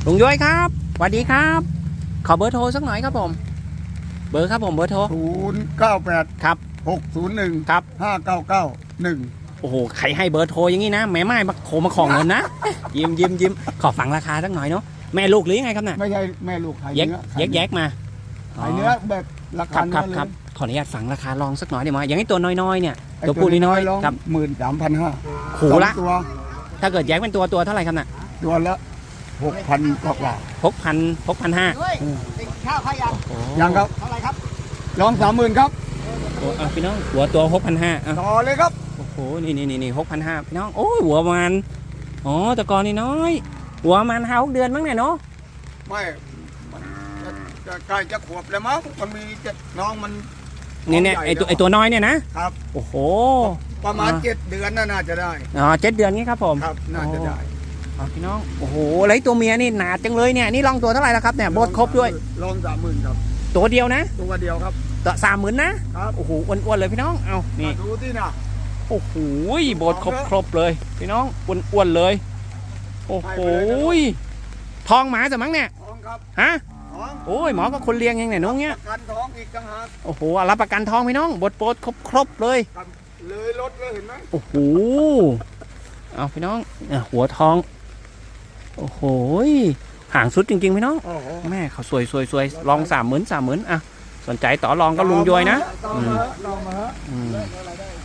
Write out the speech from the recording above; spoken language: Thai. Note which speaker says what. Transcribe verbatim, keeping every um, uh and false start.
Speaker 1: ลุงย้อยครับสวัสดีครับขอเบอร์โทรสักหน่อยครับผมเบอร์ครับผมเบอร์โทร
Speaker 2: ศูนย์เก้าแปด
Speaker 1: ครับ
Speaker 2: หกศูนย์หนึ่ง
Speaker 1: ครับ
Speaker 2: ห้าเก้าเก้าหนึ่ง
Speaker 1: โอ้โหใครให้เบอร์โทรอย่างนี้นะแม่ไม้มาโทรมาของเงินนะยิ้มยิ้มยิ้มขอฟังราคาสักหน่อยเนาะแม่ลูกหรือยังไงครับน่ะ
Speaker 2: ไม่ใช่แม่ลูกขาย
Speaker 1: แยก
Speaker 2: เนื้อ
Speaker 1: แยกแยกมา
Speaker 2: ขายเนื้อแบบรา
Speaker 1: ครั
Speaker 2: คา
Speaker 1: บค
Speaker 2: เนื้
Speaker 1: รั
Speaker 2: อบ เลย
Speaker 1: ครับขออนุญาตฟังราคาลองสักหน่อยได้ไหมอย่างนี้ตัวน้อยๆเนี่ย
Speaker 2: ไอ้
Speaker 1: ตัวผู้น้อย
Speaker 2: ลอง
Speaker 1: ๆครับ
Speaker 2: หมื่นสามพันห้า
Speaker 1: ขู่ละ
Speaker 2: ตัว
Speaker 1: ถ้าเกิดแยกเป็นตัวตัวเท่าไหร่ครับน่ะ
Speaker 2: ตัวละหกพันกว่า
Speaker 1: หกพันหกพันห้า
Speaker 2: ข้าวขยังยังครับเท่าไหร่ครับลองสามหมื่นครับ
Speaker 1: โอ้พี่น้องหัวตัวหกพันห้า
Speaker 2: ต่อเลยครับ
Speaker 1: โอ้โหนี่นี่นี่นี่หกพันห้าพี่น้องโอ้ยหัวมันอ๋อแต่ก่อนนี่น้อยหัวมันห้าหกเดือนมั้งเนี่ยเนาะ
Speaker 2: ไม่มันจะจะใกล้จะขวบแล้วมั้งมันมีจะน้องมัน
Speaker 1: เนี่ยเนี่ยไอตัวไอตัวน้อยเนี่ยนะครับ โอ้โห
Speaker 2: ประมาณเจ็ดเดือนน่าจะได้
Speaker 1: อ๋อเจ็ดเดือนนี้ครับผม
Speaker 2: ครับน่าจะได้
Speaker 1: อ๋อพี่น้องโอ้โหแล้วไอ้ตัวเมียนี่หนาจังเลยเนี่ยนี่ลองตัวเท่าไหร่แล้วครับเนี่ยโบดครบด้วย
Speaker 2: ลองสามหมื่นครับ
Speaker 1: ตัวเดียวนะ
Speaker 2: ตัวเดียวครับ
Speaker 1: ตัวสามหมื่นนะครับ โอ้โหอ้วนๆเลยพี่น้องเอานี่
Speaker 2: ดูที่น่ะ
Speaker 1: โอ้โหโบดครบครบเลยพี่น้องอ้วนๆเลยโอ้โหทองหมาจะมั้งเนี่ย
Speaker 2: ท้องครับ
Speaker 1: ฮะ
Speaker 2: ท้อง
Speaker 1: โอ้ยหมอก็คนเลี้ยงยังไงน้องเนี้ย
Speaker 2: ประกันท้องอีกต่างหาก
Speaker 1: โอ้โหรับประกันทองพี่น้องบดโปดครบครบเลย
Speaker 2: ครับเลยรถเลยเห็นไหม
Speaker 1: โอ้โหเอาพี่น้องเนี่ยหัวทองโอ้โหห่างสุดจริงๆพี่น้อง
Speaker 2: โอ้โห
Speaker 1: แม่เขาสวยสวยสวยลองสามหมื่นสามหมื่นอ่ะสนใจต่อรองก็ลุงย้อยนะ
Speaker 2: ต่อ
Speaker 1: อื
Speaker 2: มาม ลองมาฮะ
Speaker 1: อืม
Speaker 2: ได้